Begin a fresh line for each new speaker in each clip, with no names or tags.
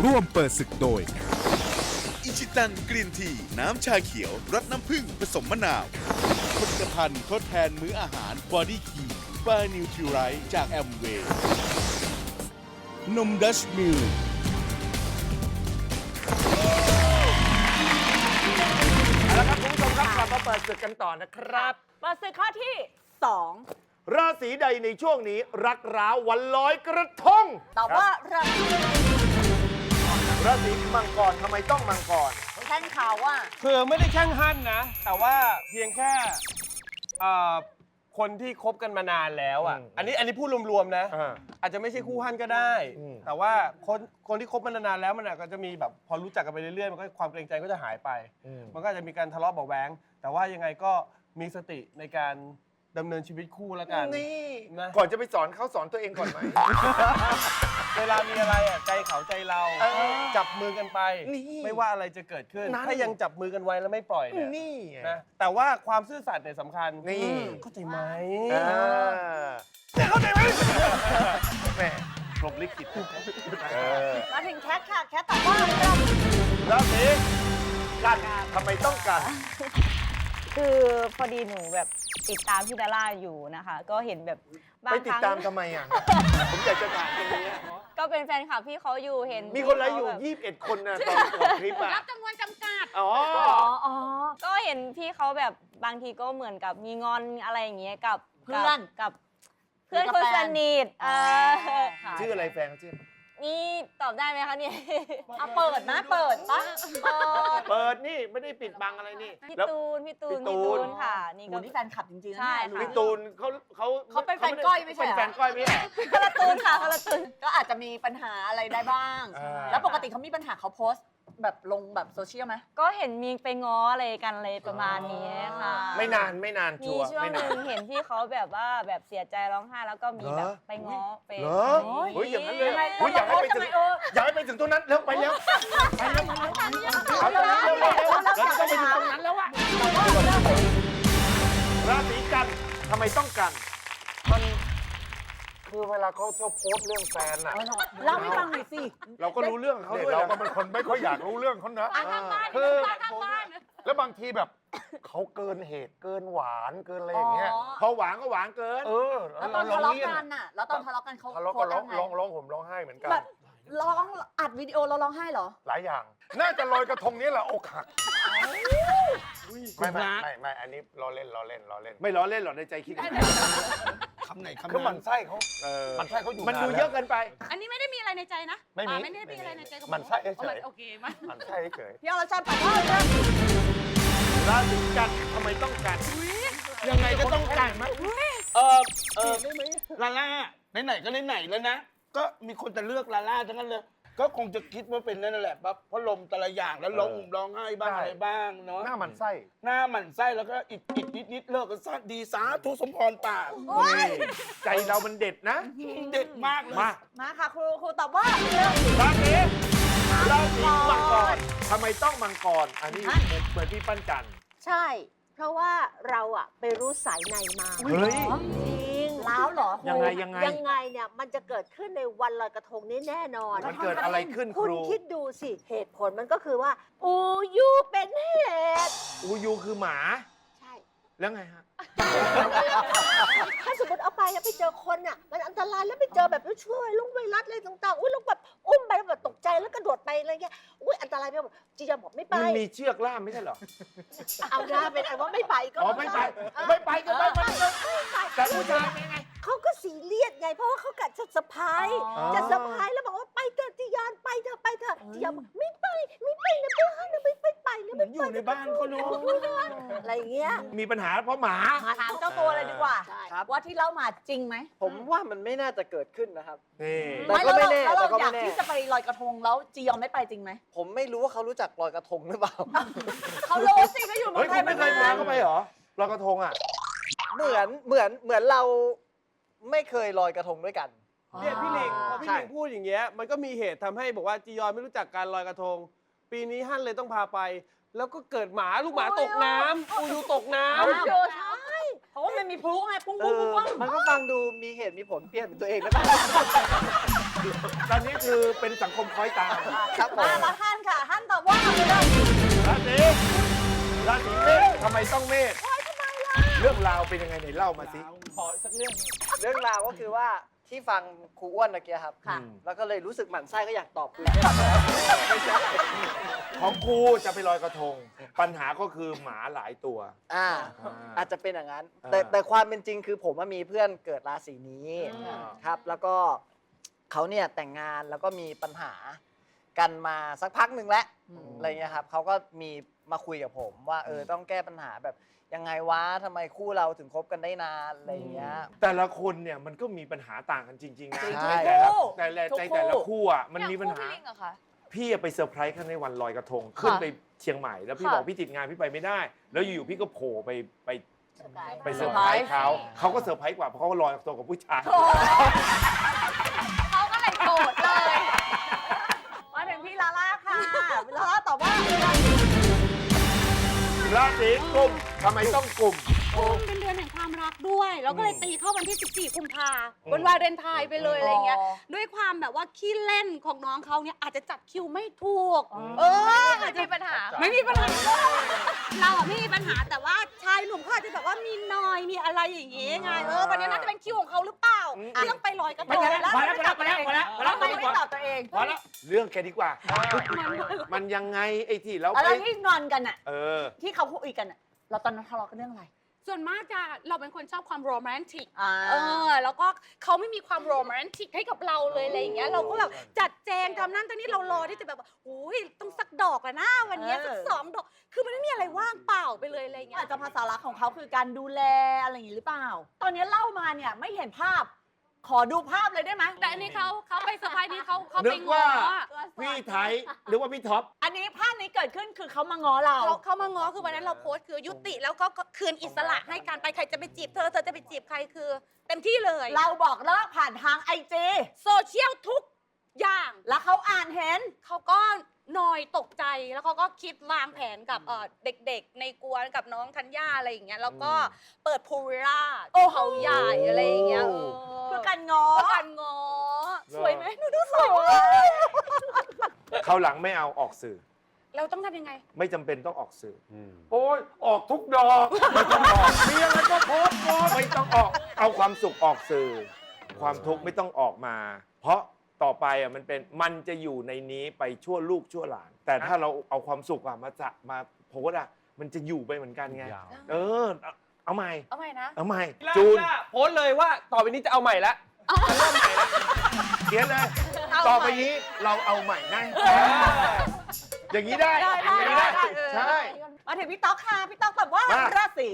ร่วมเปิดศึกโดย
อิชิตันกรีนทีน้ำชาเขียวรสน้ำผึ้งผสมมะนาวผลิตภัณฑ์ทดแทนมื้ออาหารบอดี้คีบานิวทริไรจากแอมเวย์นมดัชมิล
เอาละครับคุณผู้ชมครับกลับมาเปิดศึกกันต่อนะครับ
เปิดศึกข้อที่2
ราศีใดในช่วงนี้รักร้าววันลอยกระทง
ตอบว่า
ราศีมังกรทำไมต้องมังกร
แท่งข่าวว่า
คือไม่ได้แช่งหั่นนะ แต่ว่าเพียงแค่คนที่คบกันมานานแล้วอ่ะ อันนี้พูดรวมๆนะ อาจจะไม่ใช่คู่หั่นก็ได้ แต่ว่าคนที่คบมานานแล้วมันก็จะมีแบบพอรู้จักกันไปเรื่อยๆมันก็ความเกรงใจก็จะหายไป มันก็อาจจะมีการทะเลาะเบาะแว้งแต่ว่ายังไงก็มีสติในการดำเนินชีวิตคู่แล้วกันนะ
ก่อนจะไปสอนเขาสอนตัวเองก่อนไหม
เวลามีอะไรอ่ะใจเขาใจเราจับมือกันไป
นี่
ไม่ว่าอะไรจะเกิดขึ้น
นั่น
ถ้ายังจับมือกันไว้แล้วไม่ปล่อยเนี่ย
นี่
นะแต่ว่าความซื่อสัตย์เนี่ยสำคัญ
นี่
เข้าใจไหม
เข้าใจไหมแหม่พรหมลิขิต
มาถึงแคทค่ะ แคทตอบว่า
ราศีกันทำไมต้องกัน
คือพอดีหนูแบบติดตามพี่ดาร่าอยู่นะคะ ก็เห็นแบบบา
ไป
ง
ติ
ค
ด
รั้ง
ตามทำไมอ่ะ ผมอยากจะถามตรงนี้
ก็เป็นแฟนคลับพี่เขาอยู่เห็น
มีคนไลฟ์อยู่
พี่เขาแบบ
21 คนนะตอนออกคลิปอ่ะ
รับจำนวนจำกัด
อ๋อ
อ๋อก็เห็นพี่เขาแบบบางทีก็เหมือนกับมีงอนอะไรอย่างเงี้ยกับ
เพื่อน
กับเพื่อนคนสนิทค่ะ
ชื่ออะไรแฟนเขาชื่อ
นี่ตอบได้ไหมคะเนี่ย
เอาเปิดนะเปิดปะเปิด
เปิดนี่ไม่ได้ปิดบังอะไรนี่
พี่
แล้ว
ตูน
พี่ตูน
ค่ะนี่
โห
ก็
นี่แฟนคลับจริงๆนะ
ใช่
เนี่ย
ค่ะ
พี่ตูนเขา
เป็นแฟนก้อยไม่ใช่
เป็น
เหรอ
แฟนก้อยไม่ใช่เหรอ
คนละตูนค่ะคนละตูน
ก็อาจจะมีปัญหาอะไรได้บ้าง
อ่า
แล้วปกติเขามีปัญหาเขาโพสต์แบบลงแบบโซเชียลไหม
ก็เห็นมีไปง้ออะไรกันเลยประมาณนี้ค่ะ
ไม่นานชั
มี
วร์
ช่วง
ไม่
ห
นา
นึ่
น
งเห็นที่เขาแบบว่าแบบเสียใจร้องไห้แล้วก็มีแบบไปง้อไป
เหรอเฮ้ยอย่างนั้นเลยเฮ้ยอยากให้ไปถึงอยากให้ไปถึงตรงนั้นเร็วไปเร็วไปเร็วเอาตอนนี้เร็วเราต้องไปถึงตรงนั้นแล้วอะราศีกันทำไมต้องกันมันคือเวลาเขาชอบโพสต์เรื่องแฟนอะ
เล่าให้ฟังหน่อยสิ
เราก็รู้เรื่องเขาด้วยเราก็เป็นคนไม่ค่อยอยากรู้เรื่องเขานะคือแล้วบางทีแบบเขาเกินเหตุเกินหวานเกินอะไรอย่างเงี้ยพอหวานก็หวานเกิน
แล้วตอนทะเลาะกันน่ะแล้วตอนทะเลาะกันเขา
ทะเลาะ
โพ
ก็
สต์
ร้อ
ยัง งไง
ร้องผมร้องไห้เหมือนกัน
แบบร้องอัดวิดีโอเราร้องไห้เหรอ
หลายอย่าง น่าจะลอยกระทงนี้แหละอกหักไม่อันนี้ล้อเล่นไม่ล้อเล่นหรอกในใจคิดคำไหนคำนั้นคือมันไส้เขามันไส้เขาอยู่มันดูเยอะเกินไป
อันนี้ไม่ได้มีอะไรในใจนะ
ไม่มี
ไม่ได้มีอะไรในใจกับ
มันไส้เฉย
โอเคมั้ย
มันไส้เฉย
พี่อรชรตอบว่า
ราศีกันทำไมต้องกันยังไงก็ต้องกันมั้ย
ลาล่าไหนๆก็ไหนๆแล้วนะ ก็มีคนจะเลือกลาล่าทั้งนั้นเลย ก็คงจะคิดว่าเป็นนั่นแหละเพราะลมแต่ละอย่างแล้วร้องไห้บ้างอะไรบ้างเนาะ
หน้ามันไส้
หน้าหมันไส้แล้วก็อิดนิดเลิกกันซะดีสาธุสมพรปาก
ใจเรามันเด็ดนะ
เด็ดมากเลย
มาค่ะครูตอบว่า
ราศีมังกรทำไมต้องมังกรอันนี้เหมือนพี่ปั้นจัน
ใช่ เพราะว่าเราอะไปรู้สายในมา
เฮ้ย
จริง
ล้าวเหรอ
ยังไง
ยังไงเนี่ยมันจะเกิดขึ้นในวันลอยกระทงนี้แน่นอน
มันเกิดอะไรขึ้นค
คุณ
รู
คิดดูสิ เหตุผลมันก็คือว่า อูยูเป็นเหตุ
อูยูคือหมา
ใช่
แล้วไงฮะ
ถ้าสมมติเอาไปแล้วไปเจอคนอ่ะ มันอันตรายแล้วไปเจอแบบช่วยลุงไวรัสอะไรต่างๆ อุ้ยลุงแบบอุ้มไปแล้วแบบตกใจแล้วกระโดดไปอะไรเงี้ย อุ้ยอันตรายไปหมดจียอมบอกไม่ไป
มันมีเชือกล่ามไม่ใช่เหรอ
เอาหน้าเป็นไอ้ว่าไม่ไปก็
อ๋อไม่ไปก็ไม่ไปแต่ผู้ชายเป็นไง
เขาก็ซีเรียสไง เพราะว่าเขากะจะเซอร์ไพรส์
อ๋อ
จะเซอร์ไพรส์แล้วบอกว่าไปเถอะจียอนไปเถอะจียอนบอกไม่ไปนะเพื่อนนะไม่ไปนะ
เหมือนอยู่ในบ้านเขาเนาะ
อะไรอย่างเงี้ย
มีปัญหาเพราะหมา
ถามเจ้าตัวเลยดีกว่า
ใช่
ว่าที่เล่ามาจริงไหม
ผมว่ามันไม่น่าจะเกิดขึ้นนะครับ
นี่
แต่ก็ไม่แน่
แล้ว
แต่
เรา
ก็
อยาก
ไม่แน่
ที่จะไปลอยกระทงแล้วจียอนไม่ไปจริงไหม
ผมไม่รู้ว่าเขารู้จักลอยกระทงหรือเปล่า
เขารู้สิก็อยู่เมื
เฮ้
อย งไท
คุ
ย
ณไม่เคยมาเข้าไปเหรอลอยกระทงอ่ะ
เหมือนเราไม่เคยลอยกระทงด้วยกัน
เนี่ยพี่หลิงพอพี่
ใช่
หลิงพูดอย่างเงี้ยมันก็มีเหตุทำให้บอกว่าจียอนไม่รู้จักการลอยกระทง ปีนี้ฮั่นเลยต้องพาไป แล้วก็เกิดลูกหมาตกน้ำอูยูตกน้ำ
ใช่เพราะว่ามันมีพลุไงปุ้งปุ้งปุ้ง
มันก็ฟังดูมีเหตุมีผลเปลี่ยนเป็นตัวเองแล้ว
ตอนนี้คือเป็นสังคมคล้อยตาม
ครับผม
มาฮั่นค่ะฮั่นตอบว่าราศี
ราศีเมษทำไมต้องเมษเรื่องราวเป็นยังไงไหนเล่ามาสิ
ขอสักเรื่องหนึ่งเรื่องราวก็คือว่าที่ฟังครูอ้วนเมื่อกี้ครับ
ค่ะ
แล้วก็เลยรู้สึกหมั่นไส้ก็อยากตอบคืน
ของครูจะไปลอยกระทง ปัญหาก็คือหมาหลายตัว
อาจจะเป็นอย่างนั้น
อ่า
แต่ความเป็นจริงคือผมมีเพื่อนเกิดราศีนี้ครับ แล้วก็เขาเนี่ยแต่งงานแล้วก็มีปัญหากันมาสักพักหนึ่งแล้วอะไรเงี้ยครับเขาก็มีมาคุยกับผมว่าต้องแก้ปัญหาแบบยังไงวะทำไมคู่เราถึงคบกันได้นานอะไรเงี้ย
แต่ละคนเนี่ยมันก็มีปัญหาต่างกันจริงๆนะ
ใช่
แต่ละในแต่ละคู่อ่ะมันมีปัญหา
พี่ลิงอะคะ
พี่ไปเซอร์ไพรส์กันในวันลอยกระทง ขึ้นไปเชียงใหม่แล้วพี่
ค่ะ
บอกพี่ติดงานพี่ไปไม่ได้ แล้วอยู่ๆพี่ก็โผล่ไปเซอร์ไพร
เซอร์ไพรส์
ส์เขาก็เซอร์ไพรส์กว่าเพราะเขาก็ลอยกระทงกับผู้ชาย
เขาก็เลยโกรธเลย
มาถึงพี่ลาล่าค่ะลาล่าตอบว่า
ราศีกุมทำไมต้องกุม
กุมเป็นเดือนแห่งความรักด้วย แล้วก็เลยตีเข้าวันที่ 14 กุมภาวันวาเลนไทน์ไปเลยอะไรเงี้ย ด้วยความแบบว่าขี้เล่นของน้องเขาเนี่ยอาจจะจัดคิวไม่ถูก
อาจจะมีปัญหา
ไม่มีปัญหา เราอะไม่มีปัญหาแต่ว่าชายหนุ่มเขาอาจจะแบบว่ามีนอยมีอะไรอย่างงี้ไงวันนี้น่าจะเป็นคิวของเขาหรือเปล่าที่ต้องไปลอยกระทง
พอแล้วพอแล้วพอแล้วพอแล้วพอแล้ว
ทำไมไม่ตอบตัวเอง
พอแล้ว
เรื่องแกดีกว่า มันยังไงไอ้ที่เรา
อะไร
ไป
ที่งอนกันอะ
อ
ที่เขาคุยกันอะเราตอนนั้นทะเลาะกันเรื่องอะไร
ส่วนมากจะเราเป็นคนชอบความโรแมนติก
อ่า
แล้วก็เขาไม่มีความโรแมนติกให้กับเราเลยอะไรอย่างเงี้ยเราก็แบบจัดแจงทำนั่นทำนี่เรารอที่จะแบบว่าอุ้ยต้องสักดอกแล้วนะวันเนี้ยสัก2 ดอกคือมันไม่มีอะไรว่างเปล่าไปเลยอะไรอย่างเงี้ย
อาจจะภาษารักของเขาคือการดูแลอะไรอย่างนี้หรือเปล่า ตอนนี้เล่ามาเนี่ยไม่เห็นภาพ ขอดูภาพเลยได้ไหม
แต่อันนี้เขาไปเซอร์ไพรส์นี่เขา
นึ
ไป
ก
ง้
ว่า
อ
พี่ไทยหรือว่าพี่ท็อป
อันนี้ภาพนี้เกิดขึ้นคือเขามาง้อเรา
เขามาง้อคือวันนั้นเราโพสต์คือยุติแล้วก็คืนอิสระให้การไปใครจะไปจีบเธอจะไปจีบใครคือ เต็มที่เลย
เราบอกเลิกผ่านทางไอจี
โซเชียลทุกอย่าง
แล้วเขาอ่านเห็น
เขาก็นอยตกใจแล้วเขาก็คิดวางแผนกับเด็กๆ ในกวนกับน้องธัญญาอะไรอย่างเงี้ยแล้วก็เปิดพูวิลล่าเขาใหญ่อะไรอย่างเงี้ย
เพื่อการง้อ
เพื่อการง้อสวยไหมหนูดูสวย
เขาวหลังไม่เอาออกสื่อ
เราต้องทำยังไง
ไม่จำเป็นต้องออกสื่ออโอ้ยออกทุกดอกไม่ต้องออกมีอะไรก็โพสต์โพสต์ไม่ต้องออก เอาความสุขออกสื่อ ความทุกข์ไม่ต้องออกมา เพราะต่อไปมันจะอยู่ในนี้ไปชั่วลูกชั่วหลาน แต่ถ้าเราเอาความสุขมาโพสต์มันจะอยู่ไปเหมือนกันไงเอาใหม่
เอาใหม่นะ
เอาใหม่
จู
จู
น
น
โพสต์เลยว่าต่อไปนี้จะเอาใหม่ละ
เขียนเลย ต่อไปนี้เราเอาใหม่นะอย่างนี้ได้อย่างนี้ได้ใช่
มาถึงพี่ต๊อกค่ะ พี่ต๊อกตอบว่า
มา
ราศี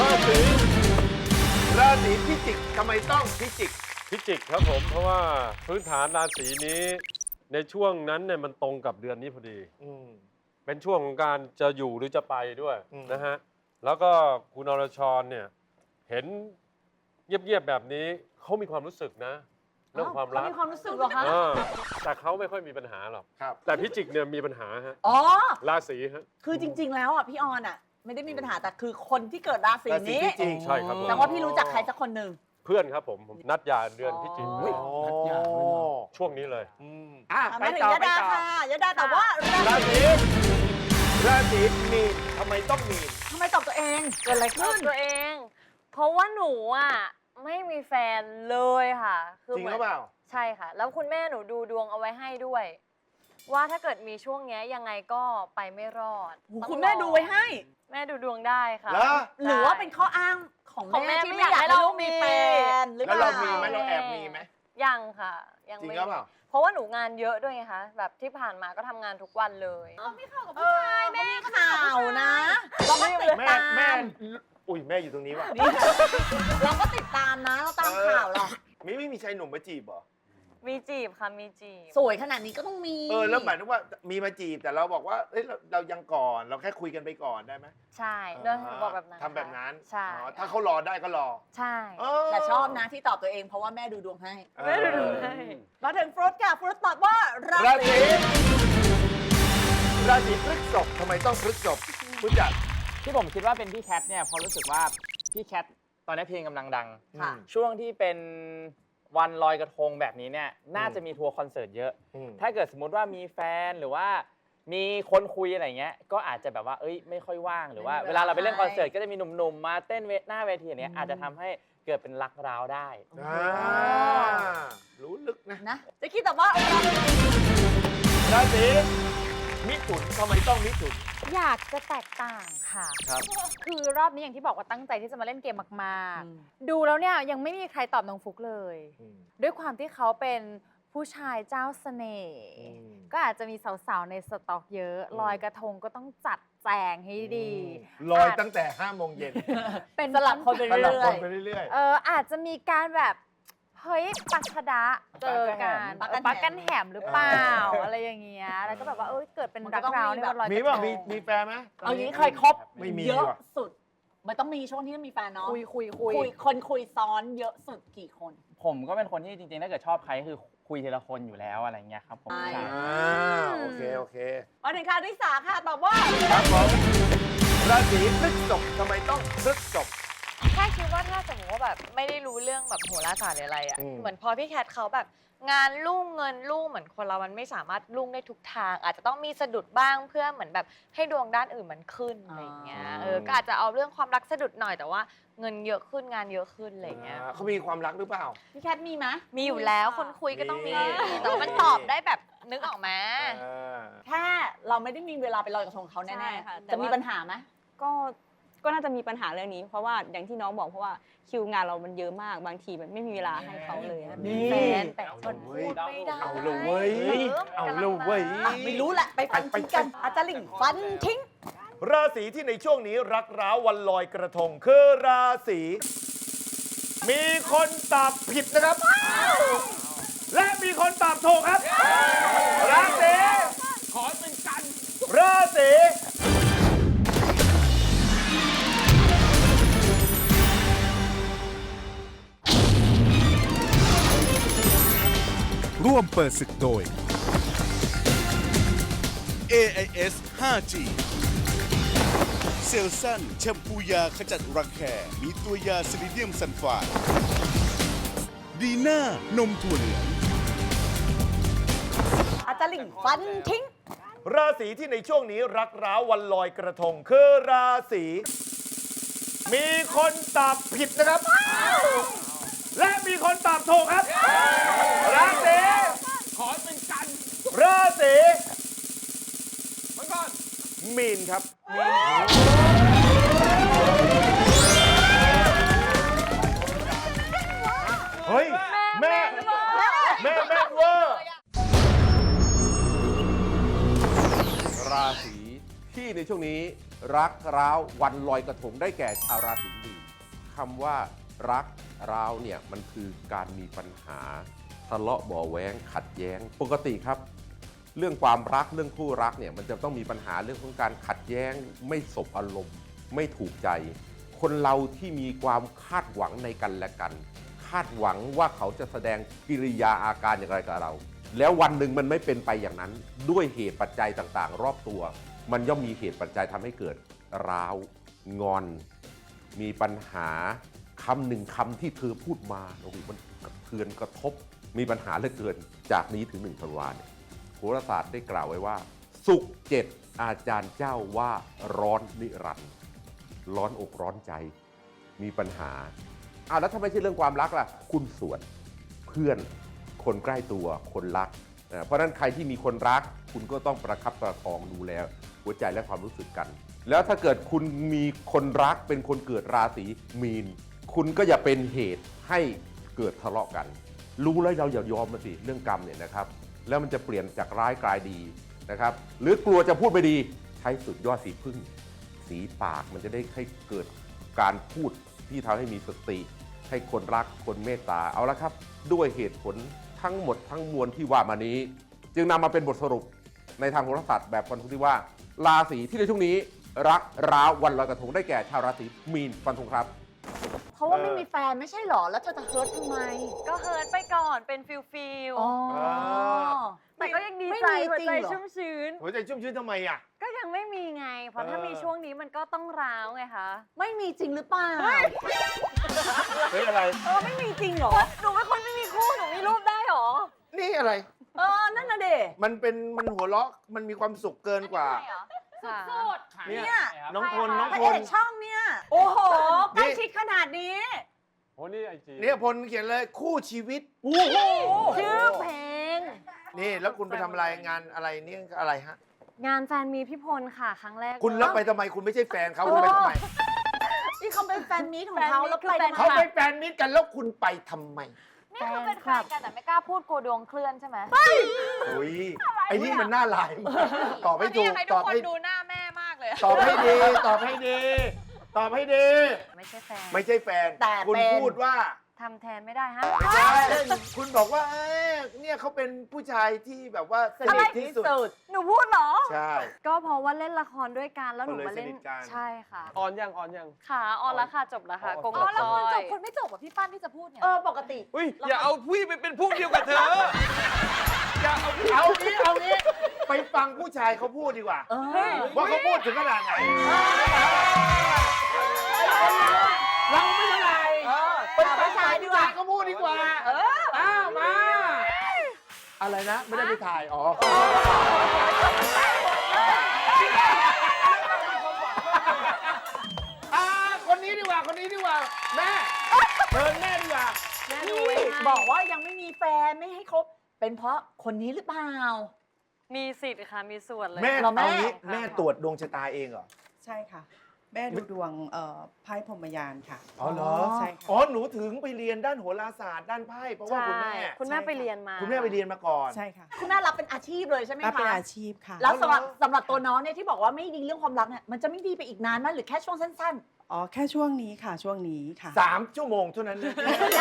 ราศีพิจิกทำไมต้องพิจิก
พิจิกครับผม เพราะว่าพื้นฐานราศีนี้ในช่วงนั้นเนี่ยมันตรงกับเดือนนี้พอดี เป็นช่วงของการจะอยู่หรือจะไปด้วย
อืม
นะฮะ แล้วก็คุณอรชรเนี่ยเห็นเงียบๆแบบนี้เขามีความรู้สึกนะ เรื่องความรัก
เขามีความรู้สึกเหรอคะ
แต่เขาไม่ค่อยมีปัญหาหรอก
ครับ
แต่พิจิกเนี่ยมีปัญหาฮะ
อ๋อ
ราศีฮะ
คือจริง ๆ แล้วอ่ะพี่ออนอ่ะ ไม่ได้มีปัญหาแต่คือคนที่เกิดราศี
ราศี
นี้
พิจิก
ใช่ครับผม
แต่ว่าพี่รู้จักใครสักคนหนึ่ง
เพื่อนครับผมนัดยาเดือนพิจิก
โอ้
ช่วงนี้เลย
ไป
มาถึง
ต่อย
า
ไป
ดา
ต่อ
ค่ะยาดาตอบว่ารา
รา
ศี
ศีมีนทำไมต้องมีน
ทำไมตอบตัวเองเกิดอะไร
ตอ
ขึ้
บ
น
ตัวเอง เพราะว่าหนูอ่ะไม่มีแฟนเลยค่ะ
จริงหรือเปล่า
ใช่ค่ะ แล้วคุณแม่หนูดูดวงเอาไว้ให้ด้วย ว่าถ้าเกิดมีช่วงเนี้ยยังไงก็ไปไม่รอดต้อง
คุณแม่ดูไว้ให้
แม่ดูดวงได้ค่ะ
เหรอ
หรือว่าเป็นข้ออ้างของ
ของแม่
แม่ที่
ไม่
ไม่อยาก ก
อายให้
ให้
เรา
ลูกมีแฟนหรือเป
แล้ว
ล่า
เรามีไหมเราแอบมีไหม
ยังค่ะ ยัง
จริง
ไม่
หรือเปล่า
เพราะว่าหนูงานเยอะด้วยไงคะแบบที่ผ่านมาก็ทำงานทุกวันเลย
เออแม่ข่าวนะเราก็ติด
แม่
ตาม
อุ้ยแม่อยู่ตรงนี้ว่ะ
เราก็ติดตามนะเราตามข่าวหรอก
ไม่มีชายหนุ่มมาจีบเหรอ
มีจีบค่ะมีจีบ
สวยขนาดนี้ก็ต้องมี
แล้วหมายถึงว่ามีมาจีบแต่เราบอกว่าเอ้ยเรายังก่อนเราแค่คุยกันไปก่อนได้ไหม
ใช่เรื่องบอกแบบนั้น
ทำแบบนั้น
ใช่
อ๋อถ้าเขารอได้ก็รอ
ใช่
แต่ชอบนะที่ตอบตัวเองเพราะว่าแม่ดูดวงให้
แม่ดูดวงให้
มาถึงฟรุตค่ะฟรุตตอบว่ารา
รา
ศี
ศีพฤษภทำไมต้องพฤษภคุณจัด
ที่ผมคิดว่าเป็นพี่แคทเนี่ยเพราะรู้สึกว่าพี่แคทตอนนี้เพลงกำลังดัง
ค่ะ
ช่วงที่เป็น
วันลอยกระทงแบบนี้เนี่ยน่าจะมีทัวร์คอนเสิร์ตเยอะ ถ้าเกิดสมมุติว่ามีแฟนหรือว่ามีคนคุยอะไรเงี้ยก็อาจจะแบบว่าไม่ค่อยว่างหรือว่าเวลาเราไปเล่นคอนเสิร์ตก็จะมีหนุ่มๆมาเต้นหน้าเวทีอย่างเนี้ยอาจจะทำให้เกิดเป็นรักร้าวได้
รู้ลึกนะ
จะคิดแต่ว่า
ราศีมิถุนทำไมต้องมิถุน
อยากจะแตกต่างค่ะ
ครับ
คือรอบนี้อย่างที่บอกว่าตั้งใจที่จะมาเล่นเกมมากๆ ดูแล้วเนี่ยยังไม่มีใครตอบน้องฟุกเลย ด้วยความที่เขาเป็นผู้ชายเจ้าเสน่ห์ก็อาจจะมีสาวๆในสต็อกเยอะ ลอยกระทงก็ต้องจัดแจงให้ดี
ลอยตั้งแต่5 โมงเย็น
เป็น
สลับคนไป
สลับ
เรื่
ค
อน ย
ไปเรื่อย
อาจจะมีการแบบเฮ้ยปัชดะเจอกัน
ปักกันแหม
ปักกันแหมหรือเปล่าอะไรอย่างเงี้ยแล้วก็แบบว่าเกิดเป็นรักร้าวในวันลอยก
มี
ระท
ป่ะ
ง
มีแฟนไหม
เอาอย่างนี้เคยคบ
ไม่มี
เยอะ
ว่ะ
สุดมันต้องมีช่วงที่มีแฟนเนาะ
คุย
คนคุยซ้อนเยอะสุดกี่คน
ผมก็เป็นคนที่จริงๆถ้าเกิดชอบใครก็คือคุยทีละคนอยู่แล้วอะไรเงี้ยครับผม
ใช่
ใช่
โอเคโอเค
มาถึงค่ะที่สาค่ะตอบว่า
ครับผมราศีพฤษภทำไมต้องพฤษภ
แค่คิดว่าถ้าสมมติว่าแบบไม่ได้รู้เรื่องแบบโหราศาสตร์หรืออะไรอ่ะ เหมือนพอพี่แคทเขาแบบงานรุ่งเงินรุ่งเหมือนคนเรามันไม่สามารถรุ่งได้ทุกทาง อาจจะต้องมีสะดุดบ้างเพื่อเหมือนแบบให้ดวงด้านอื่นมันขึ้นอะไรอย่างเงี้ยก็อาจจะเอาเรื่องความรักสะดุดหน่อยแต่ว่าเงินเยอะขึ้นงานเยอะขึ้นอะไรอย่างเงี้ย
เขามีความรักหรือเปล่า
พี่แคทมีไหม
มีอยู่แล้วคนคุยก็ต้องมี
มี
แต่ว่ามันตอบได้แบบนึกออกไหม
แค่เราไม่ได้มีเวลาไปลอยกระทงเขา
ใช่
แน่
ค่ะ
ๆ
แต่
จะมี
ว่า
ปัญหาไหม
ก็น่าจะมีปัญหาเรื่องนี้ เพราะว่าอย่างที่น้องบอกเพราะว่าคิวงานเรามันเยอะมากบางทีมันไม่มีเวลาให้เขาเลยอะ
นี่
แฟนแต่คนพูดไม่ได้
เอาเลยเว้ยเอาเลยเว้ย
ไม่รู้แหละไปฟันทิ้งกันอาจารย์ลิงฟันทิ้ง
ราศีที่ในช่วงนี้รักร้าววันลอยกระทงคือราศีมีคนตอบผิดนะครับ และมีคนตอบถูกครับ ราศีขอเป็นกัน ราศี
ร่วมเปิดศึกโดย AIS 5G เซลซันแชมพูยาขจัดรังแคมีตัวยาซิลิเดียมซัลไฟด์ดีน่านมถั่วเหลือง
อาจารย์ลิงฟันทิ้ง
ราศีที่ในช่วงนี้รักร้าววันลอยกระทงคือราศีมีคนตอบผิดนะครับ และมีคนตอบถูกครับ ราศีขอเป็นกัน ราศีมังกรมีนครับเฮ้ย แม่เวอร์
ราศีที่ในช่วงนี้รักร้าววันลอยกระทงได้แก่ชาวราศีมีนคำว่ารักร้าวเนี่ยมันคือการมีปัญหาทะเลาะเบาะแว้งขัดแย้งปกติครับ เรื่องความรักเรื่องคู่รักเนี่ยมันจะต้องมีปัญหาเรื่องของการขัดแย้งไม่สบอารมณ์ไม่ถูกใจ คนเราที่มีความคาดหวังในกันและกัน คาดหวังว่าเขาจะแสดงกิริยาอาการอย่างไรกับเรา แล้ววันหนึ่งมันไม่เป็นไปอย่างนั้นด้วยเหตุปัจจัยต่างๆ รอบตัว มันย่อมมีเหตุปัจจัยทำให้เกิดร้าวงอน มีปัญหาคำหนึ่งคำที่เธอพูดมาโอ้โหมันกระเทือนกระทบมีปัญหาเหลือเกินจากนี้ถึง1 ธันวาคมโหราศาสตร์ได้กล่าวไว้ว่าศุกร์7อาจารย์เจ้าว่าร้อนนิรันดร์ร้อนอกร้อนใจ มีปัญหาแล้วถ้าไม่ใช่เรื่องความรักล่ะคุณส่วนเพื่อนคนใกล้ตัวคนรักเพราะฉะนั้นใครที่มีคนรักคุณก็ต้องประคับประคองดูแลหัวใจและความรู้สึกกัน แล้วถ้าเกิดคุณมีคนรักเป็นคนเกิดราศีมีนคุณก็อย่าเป็นเหตุให้เกิดทะเลาะกัน รู้แล้วเราอย่ายอมมันสิเรื่องกรรมเนี่ยนะครับแล้วมันจะเปลี่ยนจากร้ายกลายดีนะครับหรือกลัวจะพูดไม่ดีใช้สุดยอดสีพึ่งสีปากมันจะได้ให้เกิดการพูดที่ทำให้มีสติให้คนรักคนเมตตาเอาละครับด้วยเหตุผลทั้งหมดทั้งมวลที่ว่ามานี้จึงนำมาเป็นบทสรุปในทางโหราศาสตร์แบบฟันธงที่ว่าราศีที่ในช่วงนี้รักร้าววันลอยกระทงได้แก่ชาวราศีมีนฟันธงครับ
เพราะว่าไม่มีแฟนไม่ใช่หรอ แล้วเธอจะเฮิร์ตทำไม
ก็เฮิร์ตไปก่อนเป็นฟิล
อ๋อ
แต่ก็ยังดีใจ
มี
หัว
จริง
ใจ
เหรอ
ชุ่มชื้น
หัวใจชุ่มชื้นทำไมอ่ะ
ก็ยังไม่มีไง เพราะถ้ามีช่วงนี้มันก็ต้องร้าวไงคะ
ไม่มีจริงหรือเปล่า
เฮ้ยอะไร
ไม่มีจริงเหรอ
หนูเป็นคนไม่มีคู่ หนูมีรูปได้หรอ
นี่อะไร
นั่นน่ะเด
มันหัวเราะมันมีความสุขเกินกว่า
ค่ะ
เนี่ยน้องพลน้อง
พระ
พ
เอ
ล
กช่องเนี่ย โอ้โหใกล้ชิดขนาดนี้
โอ้นี่ไอจี
เนี่ยพลเขียนเลยคู่ชีวิต
โอ้โห
ชื่อเพลง
นี่แล้วคุณไปทำอะไรงานอะไรนี่อะไรฮะ
งานแฟนมีพี่พลค่ะ ครั้งแรก
คุณรับไปทำไมคุณไม่ใช่แฟนเขาคุณไปทำไม
นี่เขาเป็นแฟนมีตของเขาแล้วไป
เขาเป็นแฟนมิตรกันแล้วคุณไปทำไม
นี่คือเป็นแฟนกันแต่ไม่กล้าพูดกลัวดวงเคลื่อนใช่ไหม
อุ้ยไอ้นี่มันน่าลายมากตอบให้ถูก
ให้
ต
ทุ
อก บ
คน
ให้
ดูหน้าแม่มากเลย
ตอบให้ดีตอบให้ดีตอบให้ดี
ไม่ใช่แฟน
ไม่ใช่แฟน
แต่
คุณ
เป็น
พูดว่า
ทำแทนไม่ได้ฮะ
ไม่ใช่คุณบอกว่าเนี่ยเขาเป็นผู้ชายที่แบบว่าสนิทที่สุด
หนูพูดเหรอ
ใช่
ก็เพราะว่าเล่นละครด้วยกันแล้วหนูมาเล่น
ก็เลยสนิทกัน
ใช่ค่ะ
ออนยัง
ค่ะออนแล้วค่ะจบแล้วค่ะ
อ๋อ
โกง
อ๋อแล้ว
ซอย
คนไม่จบอ่ะพี่ปั้นที่จะพูดเนี่ย
ปกติ
อุ้ยอย่าเอาพี่ไปเป็นพวกเดียวกับเธอ อย่าเอาพี่
เอางี้ไปฟังผู้ชายเขาพูดดีกว่า ว่าเขาพูดถึงขนาดไหนเราไม่เท่าไหร่ไปฟังผู้ชายเขาพูดดีกว่าอ้าวมา อะไรนะ ไม่ได้ไปถ่าย อ๋อคนนี้ดีกว่า แม่เชิญแม่ดีกว่า
นี่บอกว่ายังไม่มีแฟนไม่ให้คบ เป็นเพราะคนนี้หรือเปล่า
มีสิทธิ์ค่ะมีส่วนเลย
แม่
เราแม่
เอางี้แม่ตรวจดวงชะตาเองเหรอ
ใช่ค่ะ แม่ดูดวงไพ่พรหมยานค่ะ
อ๋อเหรอ
ใช่ค่ะ
อ๋อหนูถึงไปเรียนด้านโหราศาสตร์ด้านไพ่เพราะว่าคุณแม่
คุณแม่ไปเรียนมา
คุณแม่ไปเรียนมาก่อน
ใช่ค่ะ
คุณแม่รับเป็นอาชีพเลยใช่ไหม
รับเป็น
คะ
อาชีพค่ะ
แล้วสำหรับตัวน้องเนี่ยที่บอกว่าไม่ดีเรื่องความรักเนี่ยมันจะไม่ดีไปอีกนานไหมหรือแค่ช่วงสั้น
อ๋อ แค่ช่วงนี้ค่ะ ช่วงนี้ค่ะ
3 ชั่วโมงเท่านั้นนะ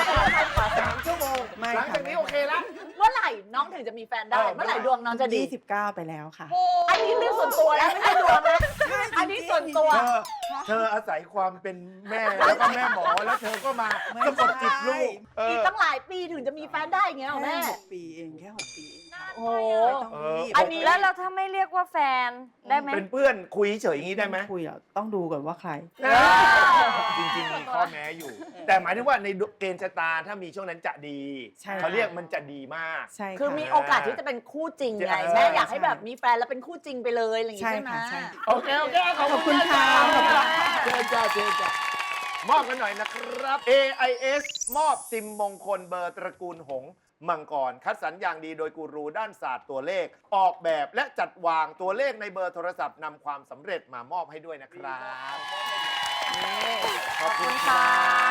3 ชั่วโมง
ไม่
หลัง
ค่ะ
จากนี้โอเคแล้ว
ๆ เมื่อไหร่น้องถึงจะมีแฟนได้ เมื่อไหร่ดวงน้องจะดี
29 ไปแล้วค่ะ
อันนี้เรื่องส่วนตัวแล้วไม่ใช่ดวงนะอันนี้ส่วนตัว
เธออาศัยความเป็นแม่แล้วก็แม่หมอแล้วเธอก็มาสะกดจิตลูก
อีกตั้งหลายปีถึงจะมีแฟนได้อย่างเงี้ยเหรอ
แค่
แม่
6 ปีเองแค่ 6 ปีเองค่ะ
โอ้โห
ไม่ต้องรีบ
อันนี้
แล้วเราถ้าไม่เรียกว่าแฟนได้ไหม
เป็นเพื่อนคุยเฉยอย่างนี้ได้ไหม
คุยอ่ะต้องดูก่อนว่าใคร
จริงๆมีข้อแม้อยู่ แต่หมายถึงว่าในเกณฑ์ชะตาถ้ามีช่วงนั้นจะดี
ใช่
เขาเรียกมันจะดีมาก
ใช่ค่ะ
คือมีโอกาสที่จะเป็นคู่จริงไง
ใช่
แม่อยากให้แบบมีแฟนแล้วเป็นคู่จริงไปเลยอะไรอย่างงี้
ใช่
ใช่ไหม
ค่ะใช่
โอเคขอบคุณค่ะ
ขอบคุณค่ะ
เชิญจ้ามอบกันหน่อยนะครับ AIS มอบซิมมงคลเบอร์ตระกูลหงส์มังกร คัดสรรอย่างดีโดยกูรูด้านศาสตร์ตัวเลข ออกแบบและจัดวางตัวเลขในเบอร์โทรศัพท์นำความสำเร็จมามอบให้ด้วยนะครับขอบคุณครับ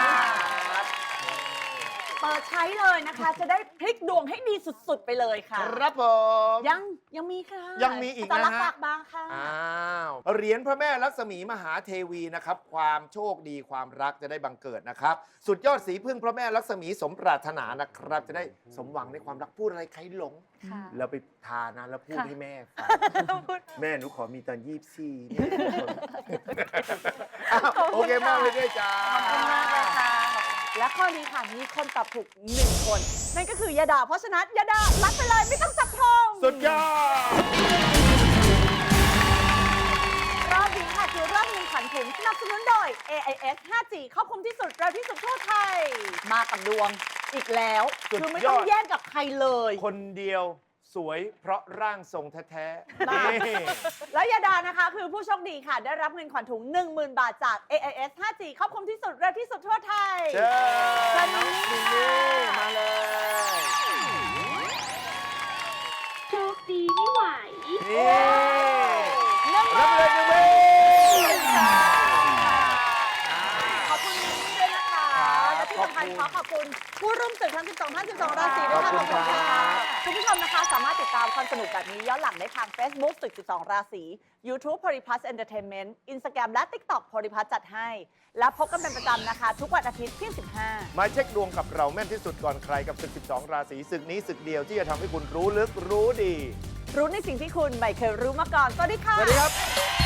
เปิดใช้เลยนะคะ จะได้พลิกดวงให้ดีสุดๆไปเลยค่ะ
ครับผม
ยังมีค่ะ
ยังมีอีกนะฮะ
แต่ละฝากบางค่ะ
อ้าวเหรียญพระแม่ลักษมีมหาเทวีนะครับ ความโชคดีความรักจะได้บังเกิดนะครับ สุดยอดสีพึ่งพระแม่ลักษมีสมปรารถนานะครับ จะได้สมหวังในความรักพูดอะไรใครหลง
ค่ะ
เราไปทานะแล้วพูด
ค่ะ
ให้แม่ฟังแม่หนูขอมีตอน24เนี่ยอ้าวโอเคมากเลยด้วยจ้า
ขอบคุณมากเลยค่ะ และข้อนี้ค่ะ มีคนตอบถูก 1 คน นั่นก็คือยาดา เพราะฉะนั้นยาดารับไปเลยไม่ต้องจับทอง
สุดยอด
รอบนี้ค่ะคือรอบเงินขวัญถุงสนับสนุนโดย AIS 5G ครอบคลุมที่สุดเร็วที่สุดทั่วไทย มากับดวงอีกแล้ว
สุดยอด
คือไม่ต้องแย่งกับใครเลย
คนเดียวสวยเพราะร่างทรงแท้ๆ
บ้า
นี่
แล้วยาดานะคะ คือผู้โชคดีค่ะ ได้รับเงินขวัญถุง 10,000 บาทจาก AIS 5G ครอบคลุมที่สุดเร็วที่สุดทั่วไทย
เชิ
เชิ
ญ
ญ
น้อง
นี่
มิน
ค่ะ
นี่มาเลย
โชคดีไม่ไหว
นี่รับเลยนะเว้ย
ขอบคุณมินนี่ด้วยนะคะและที่สำคัญขอขอบคุณผู้ร่วมศึกทั้ง 12 ท่าน 12 ราศีด้วยค่ะ
ขอบคุณครับ
คุณผู้ชมนะคะ สามารถติดตามความสนุกแบบนี้ย้อนหลังได้ทาง Facebook ศึก 12 ราศี YouTube Polyplus Entertainment Instagram และ TikTok Polyplus จัดให้ และพบกันเป็นประจำนะคะ ทุกวันอาทิตย์ที่ 15
มาเช็คดวงกับเราแม่นที่สุดก่อนใครกับศึก 12 ราศีศึกนี้ศึกเดียวที่จะทำให้คุณรู้ลึกรู้ดี
รู้ในสิ่งที่คุณไม่เคยรู้มาก่อน สวัสดีค่ะ
สวัสดีครับ